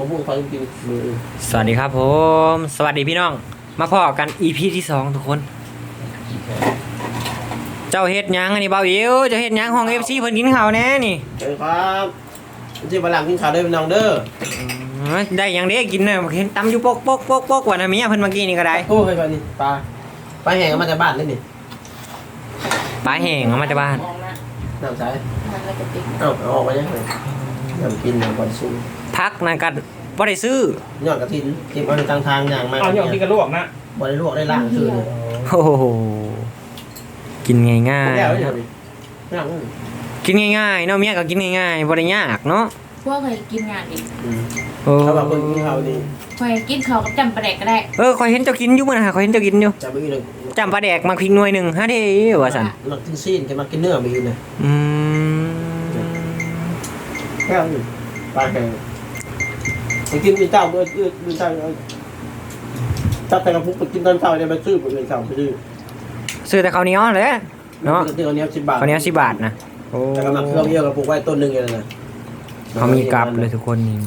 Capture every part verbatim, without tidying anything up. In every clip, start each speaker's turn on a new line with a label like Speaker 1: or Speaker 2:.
Speaker 1: ผมพูดความจริงมือ
Speaker 2: สวัสดีครับผมสวัสดีพี่น้องมาพอกัน อี พี ที่สองทุกคน เจ้าเฮ็ดยังอันนี้เบาอิ๋วเจ้าเฮ็ดยังห้อง เอฟ ซี เพิ่นกินข้าวแน่นี่
Speaker 1: เฮ้ยครับที่บาลังกินข้าวได้เป็นน้องเด้อ
Speaker 2: ได้ยังเด้กินน่ะเห็นตำอยู่ปกปกปกปกว่าน่ะเมียเพิ่นเมื่อกี้นี่ก็ได้
Speaker 1: โอ้ยไปนี่ปลาปลาแห้งมาจากบ้านเลยนี่
Speaker 2: ปลาแห้งเอามาจากบ้าน
Speaker 1: น้ำใสเอ้าเอาออกไปยังไงน้ำกินน้ำก่อนสู้
Speaker 2: พักนั่นกันบ่ได้ซื้
Speaker 1: อยอดกระถินเก็บเอาในทางทางอย่างมา
Speaker 3: เอาหยอกที่กระลวกนะ
Speaker 1: บ่ได้ลวกได้ล่างคือ
Speaker 2: โอ้โหกินง่ายๆกินง่ายๆเนาะเมียก็กินง่ายๆบ่ได้ยากเนาะ
Speaker 4: พวกเคยกินงานอีก
Speaker 1: ถ้าว่าคนกินข้าวนี่
Speaker 4: เคยกินข้าวกับจำปลาแดกก็ได้
Speaker 2: เออข่อยเห็นเจ้ากินอยู่มื้อน่ะข่อยเห็นเจ้ากินอยู่
Speaker 1: จำไม่มีเลย
Speaker 2: จำปลาแดกมักพริกหน่วยนึงฮะเด้ว่าซั่น
Speaker 1: มักกินซีนแกมักกินเนื้อมีนะ
Speaker 2: อืม
Speaker 1: แค่นี้ปลาแห้งไปกินมีเจ้าเมื่อเมื่อเจ้าจับแต่กระพุ้งไปกินตอนเช้าเนี่ยไปซื้อไปเลยเช้าไปซื้อ
Speaker 2: ซื้อแต่ข้าวเหนียวแหละเนาะ
Speaker 1: ข้าวเหนียวสิบบาท
Speaker 2: ข้าวเหนียวสิบบาทนะ
Speaker 1: โอ้แต่กำลังเครื่องเยอะกับปลูกไว้ต้นนึงอย่างนั้น
Speaker 2: เขามีกลับเลยทุกคนนี่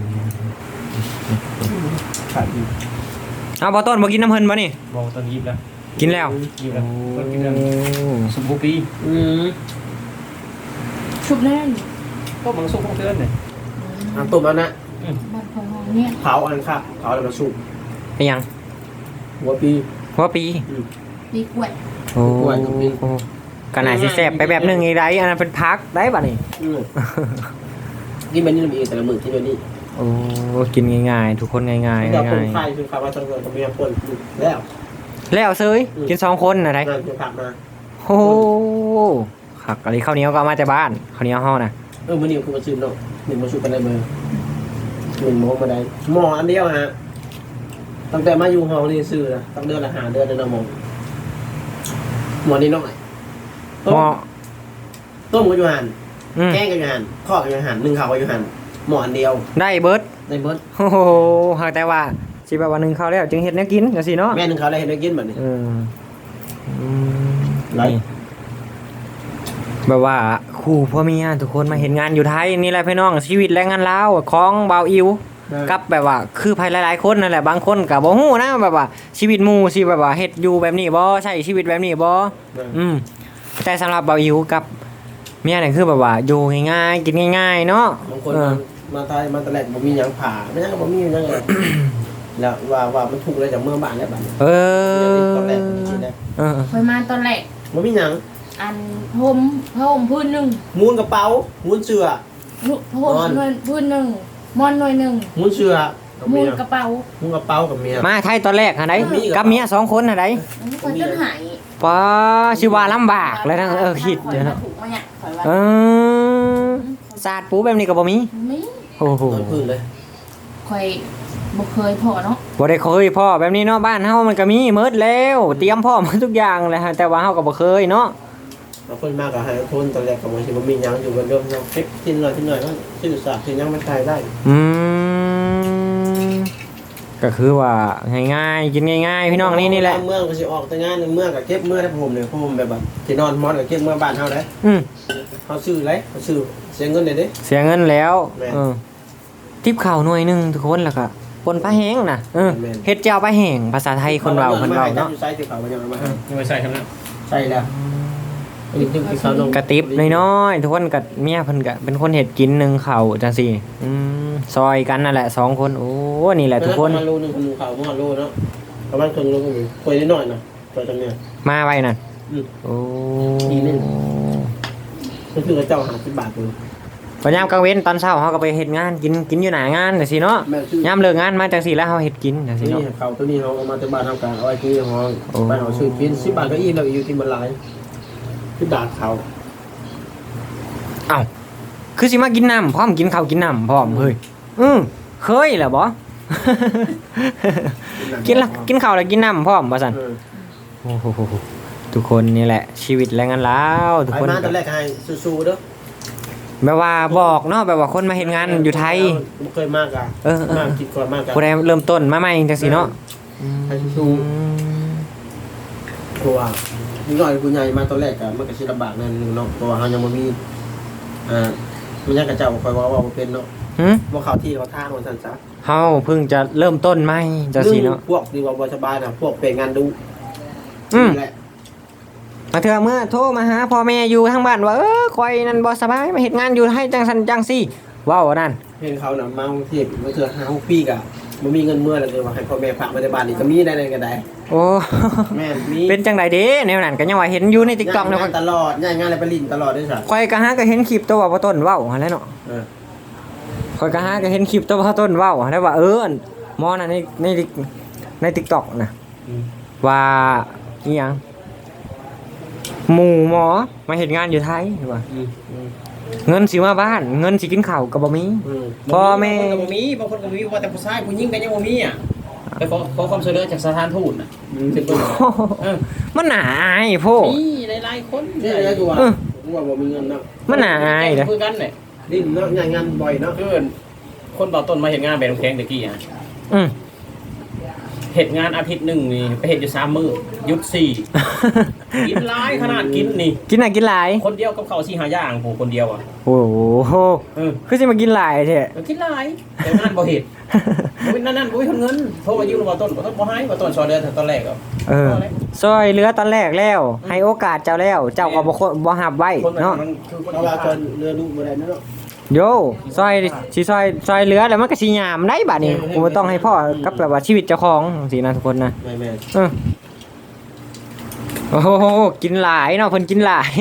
Speaker 2: เอาพอต้นบ่กินน้ำเพิ่นบ่นี่
Speaker 3: บอกตอนยิบแล้ว
Speaker 2: กินแล้ว
Speaker 3: ยิบแล้วก็กินแล้วสุบุปี
Speaker 1: อืม
Speaker 4: ชุบแน่น
Speaker 3: ก็มังสุกของเพื่อนเนี่ย
Speaker 1: อ่ะตุ่มแล้วนะ
Speaker 4: มันของเนี่ย
Speaker 1: เผาอันครับเผาแล้วมาสุก
Speaker 2: เป็นยัง
Speaker 1: หัวปี
Speaker 2: หัวปี
Speaker 4: ปีกล้วย
Speaker 2: โอ้กันไหนสิแซ่บไปแบบนึงอีไรอันนั้นเป็นพักได้ป่ะนี่
Speaker 1: กินแบบนี้มันเองแต่ละมื้อที่แบบนี้
Speaker 2: โอ้กินง่ายๆทุกคนง่ายๆง่ายๆ
Speaker 1: เราคนไข้คือคำว่าต้องต้องมีคนแล้ว
Speaker 2: แล้วเซยกินสองคนอะไรโอ้ขักอะไรข้าวเหนียวก็เอามาจากบ้านข้าวเหนียวห่อนะ
Speaker 1: เออมื้อนี้คือมาซื้อเนาะหนึ่งมาสุกกันได้เบอร์หนึ่งโมงมาได้หม้ออันเดียวฮะตั้งแต่มาอยู่ห้องนี่ซื้อนะตั้งเดือนละห้าเดือนเดือนละโมงหม้อนี้น้อยต้มต้มกับยูหันแกงกับยูหันข้อกับยูหันนึ่งข้าวกับยูหันหม้ออันเดียว
Speaker 2: ได้เบิร์ด
Speaker 1: ได้เบิร์ด
Speaker 2: โอ้โหหากแต่ว่าสิแบบว่านึ่งข้าวแล้วจึงเห็ดเนื้อกินจังซี่เนาะ
Speaker 1: แม่นึ่งข้าวแล้วเห็ดเนื้อกินแบบนี้
Speaker 2: เออไรแบบว่าคู่พ่อเมียทุกคนมาเห็นงานอยู่ไทยนี่แหละพี่น้องชีวิตแรงงานลาวของเบาอิวกับแบบว่าคือภายหลายๆคนนั่นแหละบางคนก็บ่ฮู้นะแบบว่าชีวิตหมู่สิแบบว่าเฮ็ดอยู่แบบนี้บ่ใช่ชีวิตแบบนี้บ่อืมแต่สำหรับเบาอิวกับเมียนี่คือแบบว่าอยู่ง่ายๆกินง่ายๆเนาะ
Speaker 1: บางคนมาไทยมาตะแลกบ่มีหยังผ่าไม่ยังบ่มีหยังเลยแล้วว่าว่ามันถูกเลยจากเมืองบ้านแล้วบัด
Speaker 2: เออ
Speaker 1: ตอนแรกนี่นะ
Speaker 4: เออเคยมาตอนแรก
Speaker 1: บ่มีหยัง
Speaker 4: อันผมผมพื้นนึง
Speaker 1: มูนกระเป๋ามูนเสื้อ
Speaker 4: ผมพื้นนึงมอนหน่วยนึง
Speaker 1: มูนเสื้อ
Speaker 4: มูนกระเป๋า
Speaker 1: มูนกระเป๋ากับเมีย
Speaker 2: มาไทยตอนแรกหาไดกับเมียสองคนหาได
Speaker 4: คนจนหาย
Speaker 2: ป้าสิว่าลำบากเลยนะเออคิดเดี๋ยวนะเออศาสตร์ปูแบบนี้ก็บ่มี
Speaker 4: มี
Speaker 2: โอ้โห
Speaker 1: พื้นเลย
Speaker 4: ค่อยบ่เคยพอเนาะ
Speaker 2: บ่ได้เคยพ่อแบบนี้เนาะบ้านเฮามันก็มีหมดแล้วเตรียมพร้อมทุกอย่างเลยฮะแต่ว่าเฮาก็บ่เคยเนาะ
Speaker 1: บางคนมากก็ให้คนตอนแรกก็บ่สิบ่มีหยังอยู่กันเดิมเนาะเก็บกินหน่อยกินหน่อยก็ชื่อสาที่ยังมันขายได้
Speaker 2: อืมก็คือว่าง่ายๆกินง่ายๆพี่น้องนี่นี่แหละ
Speaker 1: เมืองก็สิออกแต่งานในเมืองก็เก็บเมื่อได้ผมเนี่ยผมแบบว่าที่นอนมอดก็เก็บเมื่อบ้านเฮาได้
Speaker 2: อืม
Speaker 1: เฮาซื้อเลยเฮาซื้อเสียเงินได้เด้
Speaker 2: เสียเงินแล้วเออทิปข้าวหน่วยนึงทุกคนแล้วก็ปนปลาแห้งน่ะเออเฮ็ดเจ้าปลาแห้งภาษาไทยคนเว้าเพิ่นเว้าเนาะ
Speaker 1: ใส่ที่ข้าวมันยังมา
Speaker 3: ยังไม่ใส่ครับนะ
Speaker 1: ใส่แล้ว
Speaker 2: กระติบน้อยๆทุกคนกับเมียเพิ่นก็เป็นคนเฮ็ดกินนึงข้าวจังซี่อืมซอยกันนั่นแหละสองคนโอ้นี่แหละทุกคน
Speaker 1: ประมาณโลนึงข้าวประมาณโลเนาะประมาณครึ่งโลก็มีคุยนิดหน่อยนะตัวจังเนี่ย
Speaker 2: มาไว้นั่นโอ้
Speaker 1: ดีนึงก็คือเจ้าห้าสิบบาทเอง
Speaker 2: พอยามกลางเว้นตอนเช้าเฮาก็ไปเฮ็ดงานกินกินอยู่หน้างานจังซี่เนาะยามเลิกงานมาจังซี่แล้วเฮาเฮ็ดกินจังซี่เนาะ
Speaker 1: นี่ข้าวตัวนี้เฮาเอามาจากบ้านเฮากันเอาไว้ที่ห้องบ้านเฮาซื้อกินสิบบาทก็อิ่มแล้วอยู่ที่มันหลายสิบบาทเขา
Speaker 2: เอ้าคือสิมากินน้ำพร้อมกินข้าวกินน้ำพร้อมเฮ้ยอือเคยแหละบ่กินละกินข้าวแล้วกินน้ำพร้อมว่าซั่นโอ้โหทุกคนนี่แหละชีวิตแรงงานลาวทุกคน
Speaker 1: มาตอนแรกให้สู้ๆเด้อ
Speaker 2: แบบว่าบอกเนาะแบบว่าคนมาเฮ็ดงานอยู่ไทย
Speaker 1: บ่เคยมากอ่ะ
Speaker 2: เออๆ
Speaker 1: คิดก่อนมากอ่ะ
Speaker 2: ผู้ใดเริ่มต้นมาใหม่จังซี่เนาะ
Speaker 1: ให้สู้ๆเพราะว่านิดหน่อยผู้ใหญ่มาตอนแรกก็มันก็สิลำบากนั่นนึงเนาะเพราะว่าเฮายังบ่มีอ่ามันยังกระเจ้าคอยว่าว่าบ่เป็นเนาะ
Speaker 2: หึ
Speaker 1: บ่เข้าที่เขาทางว่าซั่นซะ
Speaker 2: เฮาเพิ่งจะเริ่มต้นใหม่จังซี่เนาะ
Speaker 1: พวกที่ว่าบ่สบายน่ะพวกเป็นงานดู
Speaker 2: อืม
Speaker 1: นี่แหละ
Speaker 2: มาเถื่อเมื่อโทรมาหาพ่อแม่อยู่ทางบ้านว่าเออคอยนั่นบ่สบายมาเฮ็ดงานอยู่ให้จังซั่นจังซี่เว้านั่น
Speaker 1: เห็นเขาน่ะมากรุงเทพมาเทื่อห้าหกปีก็บ่มีเงินเมื่อแล้วเลยว่าให้พ่อแม่ฝากไว้ในบ้านนี่ก็มีได้นั่นก็ได้
Speaker 2: โอ้
Speaker 1: แม่นมี
Speaker 2: เป็นจังไดเด้แนวนั้นก็ยังว่าเห็นอยู่ใน TikTok เนาะ
Speaker 1: ย้ายงานตลอดย้ายงานอะไรไปลิ้นตลอดด้วยซะ
Speaker 2: ข่อยก็หาก็เห็นคลิปตัวว่าบ่ต้นเว้าหั่นแหละเนาะ
Speaker 1: เออ
Speaker 2: ข่อยก็หาก็เห็นคลิปตัวว่าต้นเว้าหั่นแหละว่าเออหมอน่ะในในใน TikTok น่ะ
Speaker 3: อืม
Speaker 2: ว่าอีหยังหมู่หมอมาเฮ็ดงานอยู่ไทยว่า
Speaker 3: อืมอืม
Speaker 2: เงินสิมาบ้านเงินสิกินข้าวก็บ่มี
Speaker 1: อืม
Speaker 2: พ่อแม่
Speaker 3: บางคนก็บ่มีบางคนก็บ่มีว่าแต่ผู้ชายผู้หญิงก็ยังบ่มีอ่ะไปขอขอความช่วยเหลือจากสถานทูตน่ะถึงเบิ่งเออ
Speaker 2: มันน่าอายโพด
Speaker 3: มีหลายๆคน
Speaker 1: นี่แหละกูว่า
Speaker 2: เออ
Speaker 1: กูว่าบ่มีเงินเนาะ
Speaker 2: มันน่าอายเด้อ
Speaker 3: คือกันเนี่ย
Speaker 1: ลิ้นเนาะย้ายงานบ่อยเนาะ
Speaker 3: คือคนเบาต้นมาเฮ็ดงานแบบน้ำแข็งตะกี้อ่ะ
Speaker 2: อืม
Speaker 3: เฮ็ดงานอาทิตย์หนึงนี่ไปเฮ็ดอยู่สามมื้อหยุดสี่กินหลายขนาดกินนี่
Speaker 2: กินน่ะกินหลาย
Speaker 3: คนเดียวกับข้าวสี่ห้าอย่างผู้คนเดียวอ่ะ
Speaker 2: โอ้โห
Speaker 3: เออ
Speaker 2: คือสิมากินหลายแท้
Speaker 3: กินหลายแต่งานบ่เฮ็ดบ่มีนั่นนั่นบ่มีเงินโทรมายืมบ่ต้นบ่ต้นบ่ให้บ่ต้นซอยเดือนตอนแรกอ่ะ
Speaker 2: เออซอยเหลือตอนแรกแล้ว ให้โอกาสเจ้าแล้ว เจ้าก็บ่ควรบ่รับไว้
Speaker 3: คนมัน
Speaker 2: เนาะ
Speaker 3: มันคือคน
Speaker 1: เพราะว่าคนเรือลูกบ่ได้เนาะ
Speaker 2: โยซอยสิซอยซอยเหลือแล้วมันก็สิยามได้บัดนี้กูบ่ต้องให้พ่อกับแบบว่าชีวิตเจ้าของจังซี่นะทุกคนนะ
Speaker 1: แม่แม่
Speaker 2: เออโอ้โหกินหลายเนาะเพิ่นกินหลาย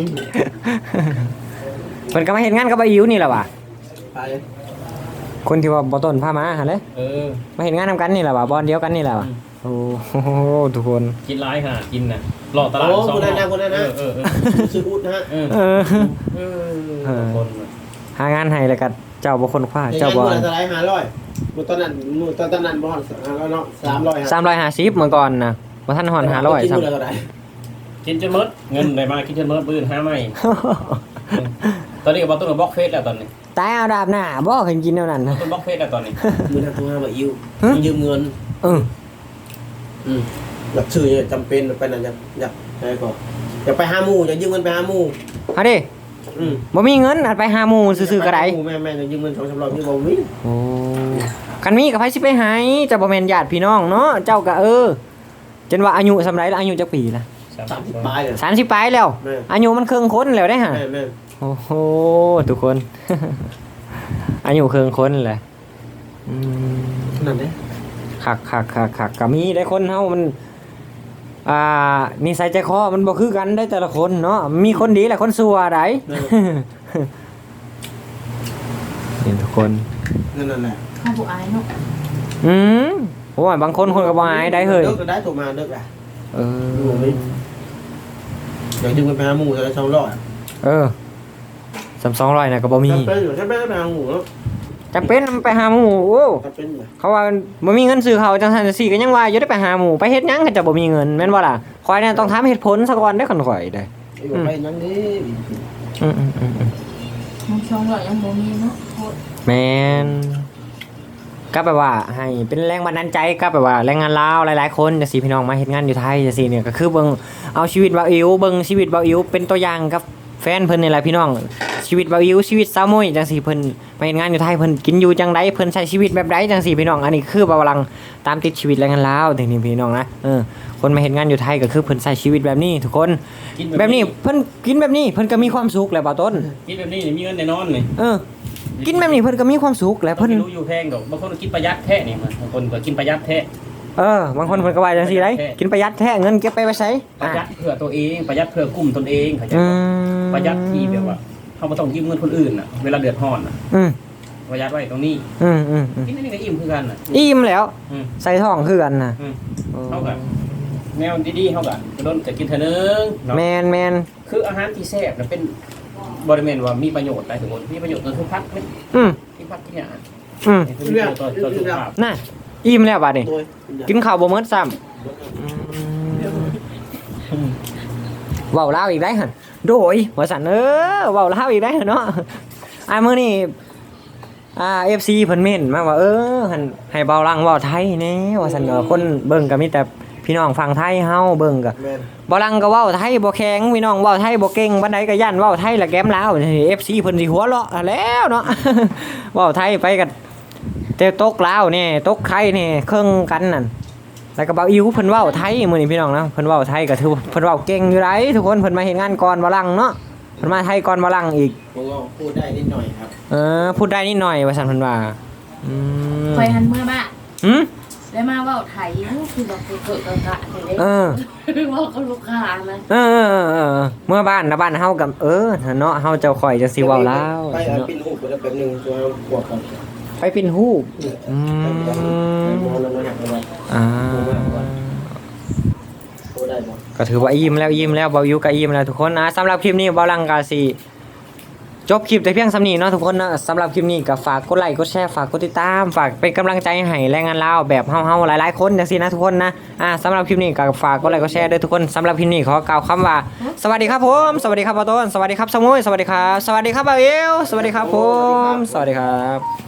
Speaker 2: เพิ่นก็มาเฮ็ดงานกับอาอิ๋วนี่แหละว่ะ
Speaker 1: ไป
Speaker 2: คนที่ว่าบ่ต้นพามาหั่นแหละ
Speaker 3: เออ
Speaker 2: มาเฮ็ดงานนำกันนี่แหละว่ะบอนเดียวกันนี่แหละว่ะ
Speaker 3: อืม
Speaker 2: โอ้โหทุกคน
Speaker 3: กินหลายขนาดกินน่ะหลอกตลาด
Speaker 1: โอ้
Speaker 3: สอง
Speaker 1: คนนั้นนะคนนั้นนะ
Speaker 3: เออเออ
Speaker 1: ซื้ออุดนะฮะ
Speaker 3: เออ
Speaker 2: เออ
Speaker 3: เออเออคนน่ะ
Speaker 2: หางานให้แล้วก็เจ้าบ่คนคว้า
Speaker 1: เจ้า
Speaker 2: เจ้า
Speaker 1: บ่
Speaker 2: บ่
Speaker 1: อนสไลด์ห้าร้อยมื้อตอนนั้นมื้อตอนนั้นบ่ฮอดห้าร้อยเนาะสามร้อยฮะ
Speaker 2: สามร้อยห้าสิบเมื่อก่อนนะบ่ทันฮอดห้าร้อย
Speaker 1: กิน
Speaker 2: ซ้ำ
Speaker 1: มื้อละเท่าไหร่
Speaker 3: กินจนหมดเงินได้มากินจนหมดปืนห้าไม่ตอนนี้ก็บ่ต้นก็บล็อกเฟซแล้วตอนนี้
Speaker 2: ตายเอาดาบหน้าบ่เคยกินแนวนั้นนะ
Speaker 3: ต้นบล็อกเฟซแล้วตอนนี้
Speaker 1: มื้อนั้นโทรหาว่าอิว
Speaker 2: ฮะ
Speaker 1: ยืมเงิน
Speaker 2: เออ
Speaker 1: อืมอยากซื้อเนี่ยจำเป็นไปนั่นอยากอยากไปก่อนอยากไปหาหมู่อยากยืมเงินไปหาหมู่
Speaker 2: เอาดิ
Speaker 1: อืม
Speaker 2: บ่มีเงินอาจไปหาหมู่ซื่อๆก็ได้
Speaker 1: หมู่แม่แม่อยากยืมเงินสองสามร้อยมีบ่มี
Speaker 2: โอ้คันมีก็ไผสิไปให้เจ้าบ่แม่นญาติพี่น้องเนาะเจ้าก็เออจนว่าอายุสำไรแล้วอายุจักปีละ
Speaker 1: สามสิบปลายเนี่ย
Speaker 2: สามสิบปลายแล้ว
Speaker 1: แม่
Speaker 2: อายุมันครึ่งคนแล้วได้ฮะ
Speaker 1: แม่แม่
Speaker 2: โอ้โหทุกคน อายุครึ่งคนแหละอืม
Speaker 1: นั่นเด้
Speaker 2: คักคักคักคักก็มีได้คนเฮามัน อ่านิสัยใจคอมันบ่คือกันได้แต่ละคนเนาะมีคนดีและคนชั่วได เห็นทุกคน
Speaker 1: นั่นนั่นแหละ
Speaker 4: ข้าวผู้อายเนาะ
Speaker 2: อืมโอ้ยบางคนคนก็บ่อายได้เฮ้ย
Speaker 1: เลิกก็ได้ถูกมาเลิกอ่ะ
Speaker 2: เอ
Speaker 1: อยู่
Speaker 2: อ
Speaker 1: ไม่อยากยืมเงินไปหาหมู่แต่ละสองร้อย
Speaker 2: เออสามสองร้อยน่ะก็บ่มี
Speaker 1: จำเป็นอยู่ใช่ไหมไปหาหมู่เนาะ
Speaker 2: จำเป็นไปหาหมู่โอ้
Speaker 1: จำเป็นอยู่
Speaker 2: เขาว่าบ่มีเงินซื้อเขาวจังซั่นจังซี่ก็ยังว่าอยู่ได้ไปหาหมู่ไปเฮ็ดหยังก็จะบ่มีเงินแม่นบ่ล่ะข่อยเนี่ยต้องถามเหตุผลซะก่อนได้อคันข่อยได้
Speaker 1: ไอ้บอกไปยังนี้
Speaker 2: อืมอืมอืมอืม
Speaker 4: มันช่องหล่อยยังบ่มีเนาะโคตร
Speaker 2: แม่นก็แบบว่าให้เป็นแรงบันดาลใจก็แบบว่าแรงงานลาวหลายๆคนจังซี่พี่น้องมาเฮ็ดงานอยู่ไทยจังซี่เนี่ยก็คือเบิ่งเอาชีวิตบ่าวอิ๋วเบิ่งชีวิตบ่าวอิ๋วเป็นตัวอย่างกับแฟนเพิ่นนี่แหละพี่น้องชีวิตบ่าวอิ๋วชีวิตสาวมุ้ยจังซี่เพิ่นมาเฮ็ดงานอยู่ไทยเพิ่นกินอยู่จังไดเพิ่นใช้ชีวิตแบบใดจังซี่พี่น้องอันนี้คือบ่าวกำลังตามติดชีวิตแรงงานลาวถึงนี่พี่น้องนะเออคนมาเฮ็ดงานอยู่ไทยก็คือเพิ่นใช้ชีวิตแบบนี้ทุกคน
Speaker 3: กิน
Speaker 2: แบบนี้เพิ่นกินแบบนี้เพิ่นก็มีความสุขแหละบ่าวต้น
Speaker 3: กินแบบนี้นี่มีเงินแน่นอนนี่
Speaker 2: เออกินแบบนี้เพิ่นก็มีความสุขแหละ
Speaker 3: เพิ่
Speaker 2: เพิ่
Speaker 3: น
Speaker 2: น
Speaker 3: รู้อยู่แพงดอกบางคนก็กินประหยัดแท้นี่มันบางคนก็กินประหยัดแท้
Speaker 2: เออบางคนเพิ่นก็ว่าจังซี่ได้กินประหยัดแท้เงินเก็บไปไว้ไส
Speaker 3: ประหยัดเพื่อตัวเองประหยัดเพื่อกลุ่มตนเองเข้าใจ
Speaker 2: อื
Speaker 3: บ่
Speaker 2: ม
Speaker 3: ประหยัดที่แบบว่าเขาบ่ต้องยืมเงินคนอื่นน่ะเวลาเดือดร้อนน่ะ
Speaker 2: อืม
Speaker 3: ประหยัดไว้ตรงนี้
Speaker 2: อืมอืมอืม
Speaker 3: กินอันนี้ก็อิ่มคือกันน่ะ
Speaker 2: อิ่มแล้ว
Speaker 3: อืม
Speaker 2: ใส่ท้องคือกันน่ะ
Speaker 3: อืม
Speaker 2: โอ้
Speaker 3: เฮาก็แนวดีๆเฮาก็โดนก็กินเท่านึงเนาะ
Speaker 2: แมนแมน
Speaker 3: คืออาหารที่แซ่บน่ะเป็นบ่ได้แม่นว่ามีประโยชน์หลายถึงหมดมีประโยชน์ต่อสุขภาพนี่
Speaker 2: อืม
Speaker 3: กินผักกินหยัง
Speaker 2: อืม
Speaker 3: นี่คือมีประโยชน์ต่อต่อสุขภาพ
Speaker 2: น่ะอิ่มแล้วบัดนี้
Speaker 1: โดย
Speaker 2: กินข้าวบ่หมดซ้ำเว้าลาวอีกได้หั่นโดยว่าซั่นเออเว้าลาวอีกได้หั่นเนาะอ่ามื้อนี้อ่า เอฟ ซี เพิ่นเม่นมาว่าเออหั่นให้เบาลังเว้าไทยแหน่ว่าซั่นเนาะคนเบิ่งก็มีแต่พี่น้องฟังไทยเฮาเบิ่งก็
Speaker 1: แม่น
Speaker 2: บ่ลังก็เว้าไทยบ่แข็งพี่น้องเว้าไทยบ่เก่งปานใดก็ย่านเว้าไทยละแก้มลาวนี่ เอฟ ซี เพิ่นสิหัวเราะแล้วเนาะ เว้าไทยไปก็แต่ตกลาวนี่ตกไทยนี่เครื่องกันนั่นแล้วก็เบาอิ๋วเพิ่นเว้าไทยมื้อนี้พี่น้องนะเพิ่นเว้าไทยก็ถือว่าเพิ่นเว้าเก่งอยู่ไดทุกคนเพิ่นมาเฮ็ดงานก่อนบ่ลังเนาะเพิ่นมาไทยก่อนบ่ลังอีก
Speaker 1: ผมก็พูดได้นิดหน่อยครับ
Speaker 2: เออพูดได้นิดหน่อยว่าซั่นเพิ่นว่าอืม
Speaker 4: คอยหันเมื่อบ้า
Speaker 2: หืม
Speaker 4: ได้มาเว่าไทยคือแบบเกิดกะกะเลย
Speaker 2: เออ
Speaker 4: เว่ากับลูกค้านะ
Speaker 2: เออเออเออเออเมื่อบ้านนะบ้านเฮากับเออเนาะเฮาเจ้าข่อยจะสิเว้าลาว
Speaker 1: ไปเอา
Speaker 2: เนาะ
Speaker 1: ปิ้นหูไปแล้วแป๊บนึงตัวบวกกัน
Speaker 2: ไปเป็นฮูปอื
Speaker 1: ไป
Speaker 2: ม
Speaker 1: มองแล้วนะหักไปไว้
Speaker 2: อ่า
Speaker 1: พูดได้บ่
Speaker 2: ก็ถือว่าอิ่มแล้วอิ่มแล้วเบาอยู่ก็อิ่มแล้วทุกคนนะสำหรับคลิปนี้เบาลังกาสิจบคลิปแต่เพียงสำนี้เนาะทุกคนนะสำหรับคลิปนี้ก็ฝากกดไลค์กดแชร์ฝากกดติดตามฝากเป็นกำลังใจให้แรงงานลาวแบบเฮาๆหลายๆคนจังซี่นะทุกคนนะอ่าสำหรับคลิปนี้ก็ฝากกดไลค์กดแชร์ด้วยทุกคนสำหรับคลิปนี้ขอกล่าวคำว่าสวัสดีครับผมสวัสดีครับปอต้นสวัสดีครับสมุยสวัสดีครับสวัสดีครับบ่าวเอวสวัสดีครับผมสวัสดีครับ